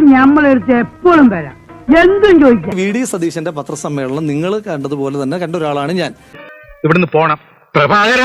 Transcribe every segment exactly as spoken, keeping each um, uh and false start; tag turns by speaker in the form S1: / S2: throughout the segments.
S1: നമ്മളെടുത്ത് എപ്പോഴും വരാം, എന്തും ചോദിക്കാം.
S2: വി ഡി സതീശന്റെ പത്രസമ്മേളനം നിങ്ങൾ കണ്ടതുപോലെ തന്നെ കണ്ട ഒരാളാണ് ഞാൻ.
S3: ഇവിടുന്ന് പോണം പ്രഭാകര.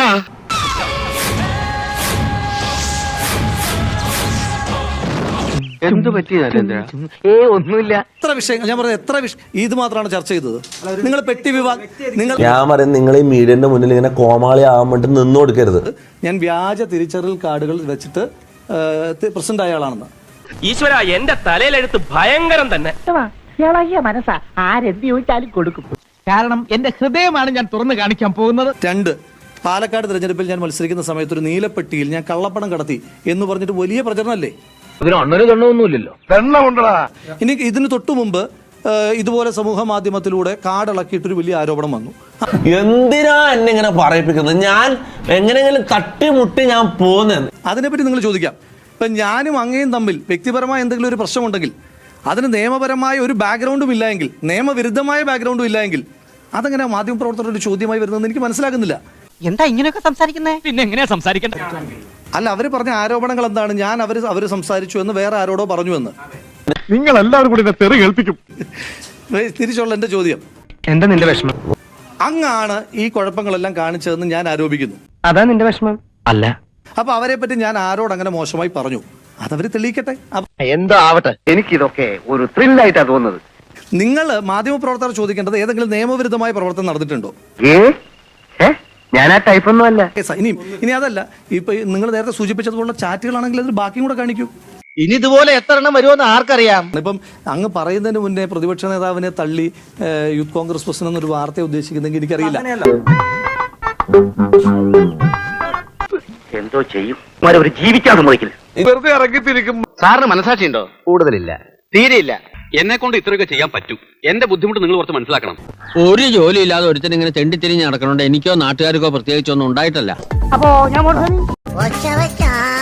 S4: എന്ത് പറ്റി ഏ ഒന്നുമില്ല.
S2: എത്ര വിഷയങ്ങൾ ഞാൻ പറഞ്ഞത്, എത്ര വിഷയം ഇത് മാത്രമാണ് ചർച്ച ചെയ്തത്. നിങ്ങൾ പെട്ടി വിഭാഗം നിങ്ങൾ
S5: ഞാൻ പറയുന്നത് നിങ്ങൾ ഈ മീഡിയന്റെ മുന്നിൽ ഇങ്ങനെ കോമാളി ആവാൻ വേണ്ടി നിന്നു കൊടുക്കരുത്.
S2: ഞാൻ വ്യാജ തിരിച്ചറിയൽ കാർഡുകൾ വെച്ചിട്ട് പ്രസിഡന്റ് ആയ ആളാണെന്ന്.
S4: ഈശ്വര, എന്റെ തലയിലെടുത്ത് ഭയങ്കരം തന്നെ.
S1: മനസ്സാ ആരെന്ത് ചോദിച്ചാലും കൊടുക്കും.
S6: കാരണം എന്റെ ഹൃദയമാണ് ഞാൻ തുറന്നു കാണിക്കാൻ പോകുന്നത്.
S2: രണ്ട്, പാലക്കാട് തെരഞ്ഞെടുപ്പിൽ ഞാൻ മത്സരിക്കുന്ന സമയത്ത് ഒരു നീലപ്പെട്ടിയിൽ ഞാൻ കള്ളപ്പണം കടത്തി എന്ന് പറഞ്ഞിട്ട് വലിയ പ്രചരണമല്ലേ?
S4: ഇതിന് അണ്ണന് ദണ്ണമൊന്നുമില്ലല്ലോ.
S2: ഇനി ഇതിന് തൊട്ടു മുമ്പ് ഇതുപോലെ സമൂഹ മാധ്യമത്തിലൂടെ കാർഡിളക്കിയിട്ടൊരു വലിയ ആരോപണം വന്നു.
S5: എന്തിനാ എന്നെ ഇങ്ങനെ പറയിപ്പിക്കുന്നത്? ഞാൻ എങ്ങനെയെങ്കിലും തട്ടിമുട്ടി ഞാൻ പോകുന്നത്.
S2: അതിനെപ്പറ്റി നിങ്ങൾ ചോദിക്കാം. ഇപ്പം ഞാനും അങ്ങയും തമ്മിൽ വ്യക്തിപരമായ എന്തെങ്കിലും ഒരു പ്രശ്നമുണ്ടെങ്കിൽ അതിന് നിയമപരമായ ഒരു ബാക്ക്ഗ്രൗണ്ടും ഇല്ലായെങ്കിൽ, നിയമവിരുദ്ധമായ ബാക്ക്ഗ്രൗണ്ടും ഇല്ലായെങ്കിൽ അതെങ്ങനെ മാധ്യമപ്രവർത്തകരുടെ ഒരു ചോദ്യമായി വരുന്നതെന്ന് എനിക്ക് മനസ്സിലാകുന്നില്ല.
S6: എന്താ ഇങ്ങനെയൊക്കെ സംസാരിക്കുന്നത്? പിന്നെ എങ്ങനെയാ സംസാരിക്കേണ്ടത്?
S2: അല്ല, അവർ പറഞ്ഞ ആരോപണങ്ങൾ എന്താണ്? ഞാൻ അവർ അവർ സംസാരിച്ചു എന്ന് വേറെ ആരോടോ പറഞ്ഞു എന്ന്.
S3: നിങ്ങൾ എല്ലാവരും കൂടി തെറി കേൾപ്പിക്കും.
S2: തിരിച്ചുള്ള എന്റെ ചോദ്യം,
S4: എന്താ നിന്റെ വിഷമം?
S2: അങ്ങാണ് ഈ കുഴപ്പങ്ങളെല്ലാം കാണിച്ചതെന്ന് ഞാൻ ആരോപിക്കുന്നു.
S4: അതാ നിന്റെ വിഷമം? അല്ല.
S2: അപ്പൊ അവരെ പറ്റി ഞാൻ ആരോട് അങ്ങനെ മോശമായി പറഞ്ഞു, അതവര് തെളിയിക്കട്ടെ.
S4: എന്തോ ആവട്ടെ, എനിക്കിതൊക്കെ ഒരു ത്രില്ലായിട്ടാ തോന്നുന്നത്.
S2: നിങ്ങൾ മാധ്യമപ്രവർത്തകർ ചോദിക്കേണ്ടത് ഏതെങ്കിലും നിയമവിരുദ്ധമായ പ്രവർത്തനം നടന്നിട്ടുണ്ടോ?
S4: ഞാൻ ആ ടൈപ്പൊന്നും അല്ല.
S2: ഇനിയും ഇനി അതല്ല, ഇപ്പൊ നിങ്ങൾ നേരത്തെ സൂചിപ്പിച്ചതുപോലുള്ള ചാറ്റുകളാണെങ്കിൽ അതിൽ ബാക്കിയും കൂടെ കാണിക്കൂ.
S6: ഇനി ഇതുപോലെ എത്ര എണ്ണം വരുമെന്ന് ആർക്കറിയാം?
S2: ഇപ്പം അങ്ങ് പറയുന്നതിന് മുന്നേ പ്രതിപക്ഷ നേതാവിനെ തള്ളി യൂത്ത് കോൺഗ്രസ് പ്രസിഡന്റ് എന്നൊരു വാർത്ത ഉദ്ദേശിക്കുന്നെങ്കിൽ എനിക്കറിയില്ല.
S4: എന്തോ ചെയ്യും, ഒരു ജീവിക്കാൻ സമ്മതിക്കില്ല.
S3: വെറുതെ ഇറങ്ങിത്തിരിക്കും.
S4: സാറിന് മനസാക്ഷിയുണ്ടോ? കൂടുതലില്ല, തീരെയില്ല.
S7: എന്നെ കൊണ്ട് ഇത്രയൊക്കെ ചെയ്യാൻ പറ്റും. എന്റെ ബുദ്ധിമുട്ട് നിങ്ങൾ കുറച്ച് മനസ്സിലാക്കണം.
S8: ഒരു ജോലി ഇല്ലാതെ ഒരുത്തൻ ഇങ്ങനെ തെണ്ടിത്തിരിഞ്ഞ് നടക്കണോണ്ട് എനിക്കോ നാട്ടുകാർക്കോ പ്രത്യേകിച്ചൊന്നും ഉണ്ടായിട്ടല്ല.
S1: അപ്പോ ഞാൻ